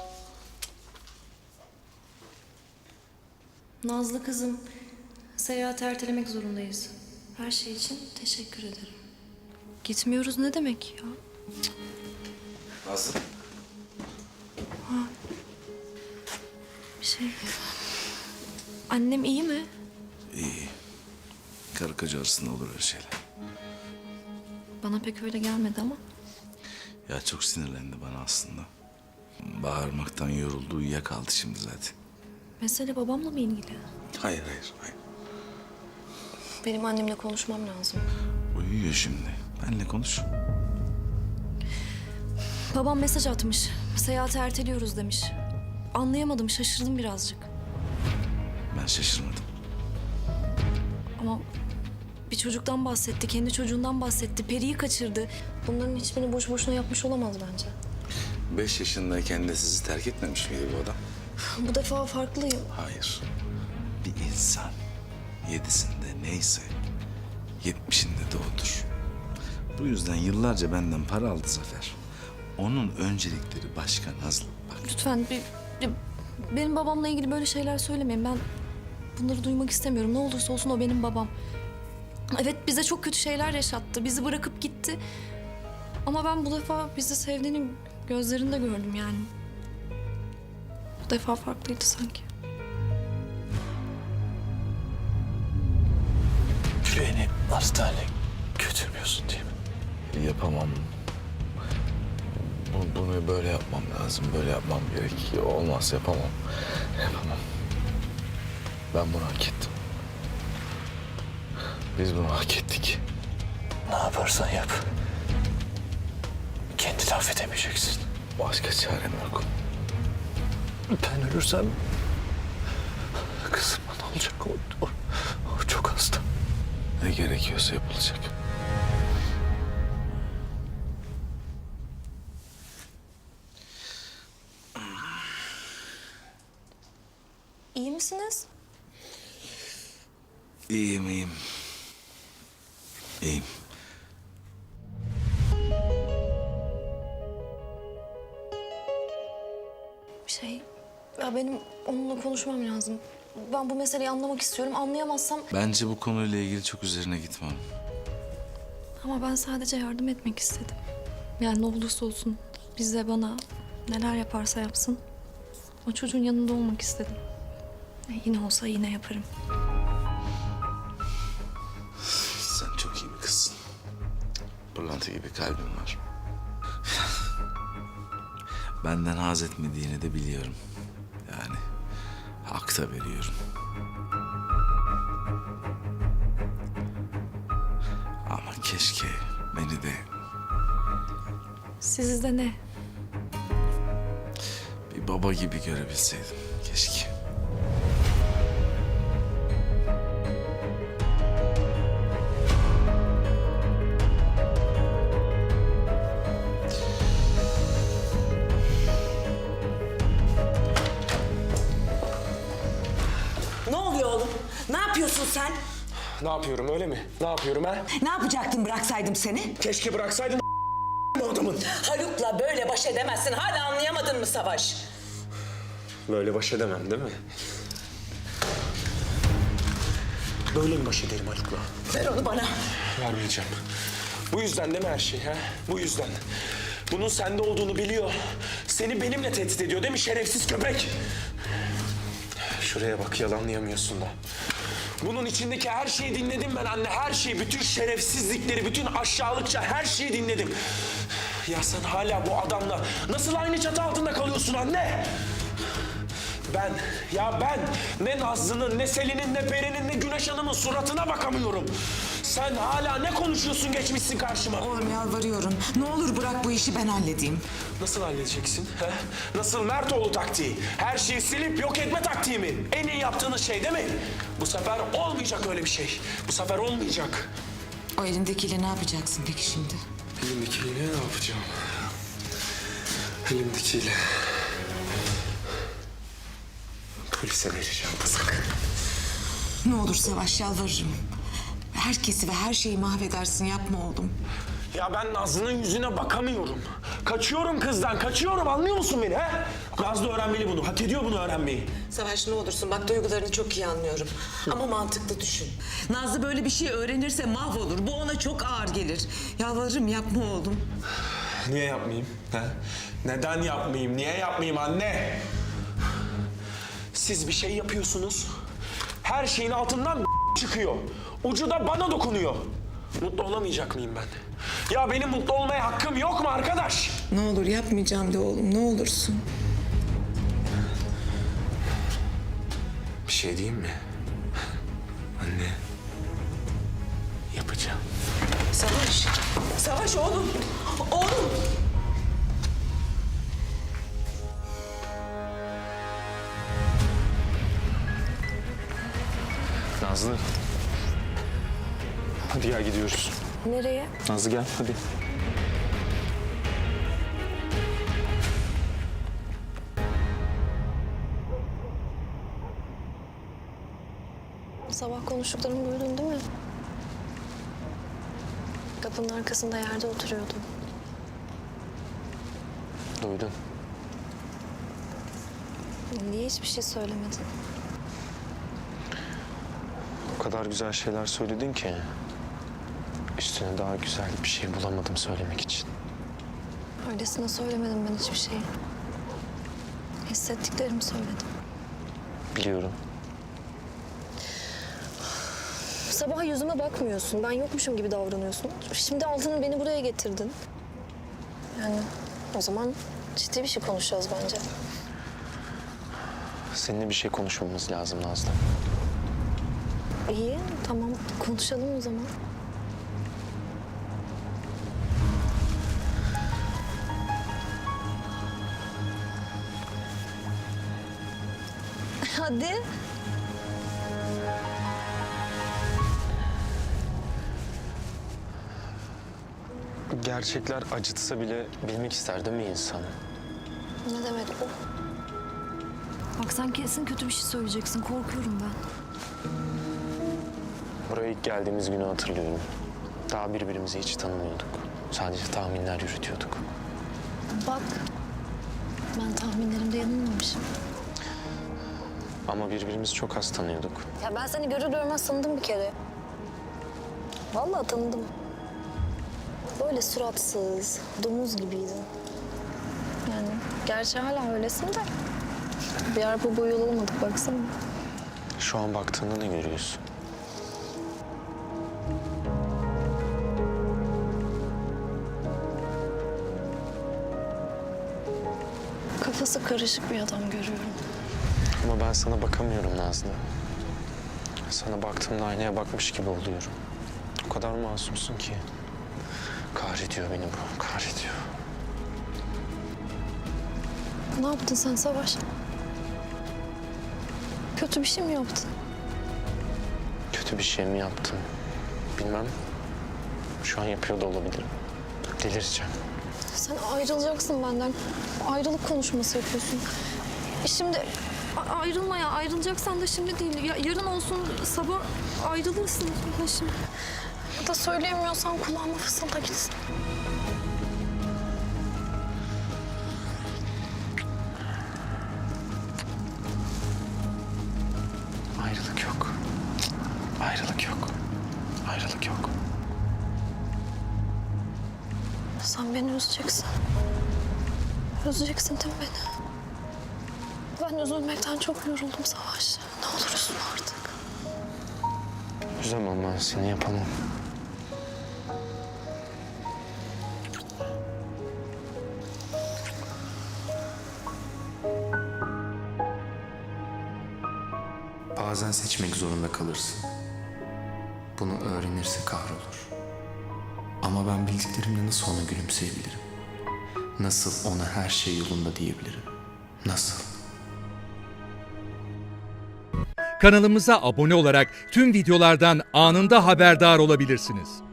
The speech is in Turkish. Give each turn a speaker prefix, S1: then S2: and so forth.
S1: Nazlı kızım, seyahati ertelemek zorundayız. Her şey için teşekkür ederim. Gitmiyoruz ne demek ya?
S2: Nazlı.
S1: Annem iyi mi?
S2: İyi. Karı koca arasında olur öyle şeyler.
S1: Bana pek öyle gelmedi ama.
S2: Ya çok sinirlendi bana aslında. Bağırmaktan yoruldu, uyuyakaldı şimdi zaten.
S1: Mesele babamla mı ilgili?
S2: Hayır.
S1: Benim annemle konuşmam lazım.
S2: Uyuyor şimdi. Benle konuş.
S1: Babam mesaj atmış. Seyahati erteliyoruz demiş. Anlayamadım, şaşırdım birazcık.
S2: Ben şaşırmadım.
S1: Ama bir çocuktan bahsetti, kendi çocuğundan bahsetti. Peri'yi kaçırdı. Bunların hiçbirini boş boşuna yapmış olamaz bence.
S2: 5 yaşındayken de sizi terk etmemiş miydi bu adam?
S1: Bu defa farklıyım.
S2: Hayır. Bir insan 7'sinde neyse 70'inde de odur. Bu yüzden yıllarca benden para aldı Zafer. Onun öncelikleri başka Nazlı. Bak
S1: Lütfen benim babamla ilgili böyle şeyler söylemeyin. Ben bunları duymak istemiyorum. Ne olursa olsun o benim babam. Evet bize çok kötü şeyler yaşattı. Bizi bırakıp gitti. Ama ben bu defa bizi sevdiğini gözlerinde gördüm yani. Bu defa farklıydı sanki.
S3: Beni hastaneye götürmüyorsun değil mi?
S2: yapamam. Bunu böyle yapmam lazım. Böyle yapmam gerek. Olmaz yapamam. Yapamam. Ben bunu hak ettim. Biz bunu hak ettik.
S3: Ne yaparsan yap. Kendini affedemeyeceksin.
S2: Başka çarem yok.
S3: Ben ölürsem kızıma ne olacak? O çok hasta.
S2: Ne gerekiyorsa yapılacak.
S1: İyi misiniz?
S2: İyiyim. İyiyim.
S1: Ya benim onunla konuşmam lazım. Ben bu meseleyi anlamak istiyorum. Anlayamazsam...
S2: Bence bu konuyla ilgili çok üzerine gitmem.
S1: Ama ben sadece yardım etmek istedim. Yani ne olursa olsun bize, bana neler yaparsa yapsın. O çocuğun yanında olmak istedim. Yine olsa yine yaparım.
S2: Sen çok iyi bir kızsın. Pırlanta gibi kalbin var. Benden haz etmediğini de biliyorum. Yani hak da veriyorum. Ama keşke beni de
S1: Sizde ne?
S2: bir baba gibi görebilseydim. Keşke.
S4: Ne oluyor oğlum? Ne yapıyorsun sen?
S5: Ne yapıyorum öyle mi? Ne yapıyorum ha?
S4: Ne yapacaktın bıraksaydım seni?
S5: Keşke bıraksaydın bu adamın.
S4: Haluk'la böyle baş edemezsin. Hala anlayamadın mı Savaş?
S5: Böyle baş edemem değil mi? Böyle mi baş ederim Haluk'la?
S4: Ver onu bana.
S5: Vermeyeceğim. Bu yüzden değil mi her şey ha? Bu yüzden. Bunun sende olduğunu biliyor. Seni benimle tehdit ediyor değil mi şerefsiz köpek? Şuraya bak yalanlayamıyorsun da. Bunun içindeki her şeyi dinledim ben anne. Her şeyi, bütün şerefsizlikleri, bütün aşağılıkça her şeyi dinledim. Ya sen hala bu adamla nasıl aynı çatı altında kalıyorsun anne? Ben ne Nazlı'nın, ne Selin'in, ne Peri'nin, ne Güneş Hanım'ın suratına bakamıyorum. Sen hala ne konuşuyorsun geçmişsin karşıma?
S4: Oğlum yalvarıyorum. Ne olur bırak bu işi ben halledeyim.
S5: Nasıl halledeceksin? He? Nasıl Mertoğlu taktiği? Her şeyi silip yok etme taktiği mi? En iyi yaptığınız şey değil mi? Bu sefer olmayacak öyle bir şey. Bu sefer olmayacak.
S4: O elindekiyle ne yapacaksın peki şimdi?
S5: Elimdekiyle ne yapacağım? Elimdekiyle... Polise vereceğim kızık.
S4: Ne olur Savaş yalvarırım. Herkesi ve her şeyi mahvedersin yapma oğlum.
S5: Ya ben Nazlı'nın yüzüne bakamıyorum. Kaçıyorum kızdan, kaçıyorum anlıyor musun beni he? Nazlı öğrenmeli bunu. Hak ediyor bunu öğrenmeyi.
S4: Savaş ne olursun bak duygularını çok iyi anlıyorum. Ama mantıklı düşün. Nazlı böyle bir şey öğrenirse mahvolur. Bu ona çok ağır gelir. Yalvarırım yapma oğlum.
S5: Niye yapmayayım? He? Neden yapmayayım? Niye yapmayayım anne? Siz bir şey yapıyorsunuz. Her şeyin altından çıkıyor. Ucu da bana dokunuyor. Mutlu olamayacak mıyım ben? Ya benim mutlu olmaya hakkım yok mu arkadaş?
S4: Ne olur yapmayacağım de oğlum ne olursun.
S5: Bir şey diyeyim mi? Anne. Yapacağım.
S4: Savaş. Savaş oğlum. Oğlum.
S5: Nazlı. Hadi ya gidiyoruz.
S1: Nereye?
S5: Nazlı gel hadi.
S1: Sabah konuştuklarımı duydun değil mi? Kapının arkasında yerde oturuyordum.
S5: Duydum.
S1: Niye hiçbir şey söylemedin?
S5: O kadar güzel şeyler söyledin ki. Üstüne daha güzel bir şey bulamadım söylemek için.
S1: Öylesine söylemedim ben hiçbir şeyi. Hissettiklerimi söyledim.
S5: Biliyorum.
S1: Sabah yüzüme bakmıyorsun. Ben yokmuşum gibi davranıyorsun. Şimdi altını beni buraya getirdin. Yani o zaman ciddi bir şey konuşacağız bence.
S5: Seninle bir şey konuşmamız lazım Nazlı.
S1: İyi, tamam. Konuşalım o zaman. Hadi.
S5: Gerçekler acıtsa bile bilmek ister değil mi insan?
S1: Ne demek bu? Bak sen kesin kötü bir şey söyleyeceksin. Korkuyorum ben.
S5: Buraya ilk geldiğimiz günü hatırlıyorum. Daha birbirimizi hiç tanımıyorduk. Sadece tahminler yürütüyorduk.
S1: Bak. Ben tahminlerimde yanılmamışım.
S5: Ama birbirimizi çok az tanıyorduk.
S1: Ya ben seni görür görmez tanıdım bir kere. Vallahi tanıdım. Böyle suratsız, domuz gibiydin. Yani gerçi hala öylesin de. Bir arpa boyu yol olmadık baksana.
S5: Şu an baktığında ne görüyorsun?
S1: Kafası karışık bir adam görüyorum.
S5: Ama ben sana bakamıyorum Nazlı. Sana baktığımda aynaya bakmış gibi oluyorum. O kadar masumsun ki. Kahrediyor beni bu, kahrediyor.
S1: Ne yaptın sen Savaş? Kötü bir şey mi yaptın?
S5: Kötü bir şey mi yaptım? Bilmem. Şu an yapıyor da olabilirim. Delireceğim.
S1: Sen ayrılacaksın benden. Ayrılık konuşması yapıyorsun. Şimdi ayrılma ya. Ayrılacaksan da şimdi değil. Ya, yarın olsun sabah ayrılırsın. Ya şimdi. Ya da söyleyemiyorsan kulağıma fısılda gitsin.
S5: Ayrılık yok. Ayrılık yok. Ayrılık yok.
S1: Sen beni üzeceksin. Üzeceksin değil mi beni? Ben üzülmekten çok yoruldum Savaş. Ne olur üzülme artık.
S5: Üzemem ben seni, yapamam.
S6: Bazen seçmek zorunda kalırsın. Bunu öğrenirse kahrolur. Ama ben bildiklerimle nasıl ona gülümseyebilirim? Nasıl ona her şey yolunda diyebilirim? Nasıl?
S7: Kanalımıza abone olarak tüm videolardan anında haberdar olabilirsiniz.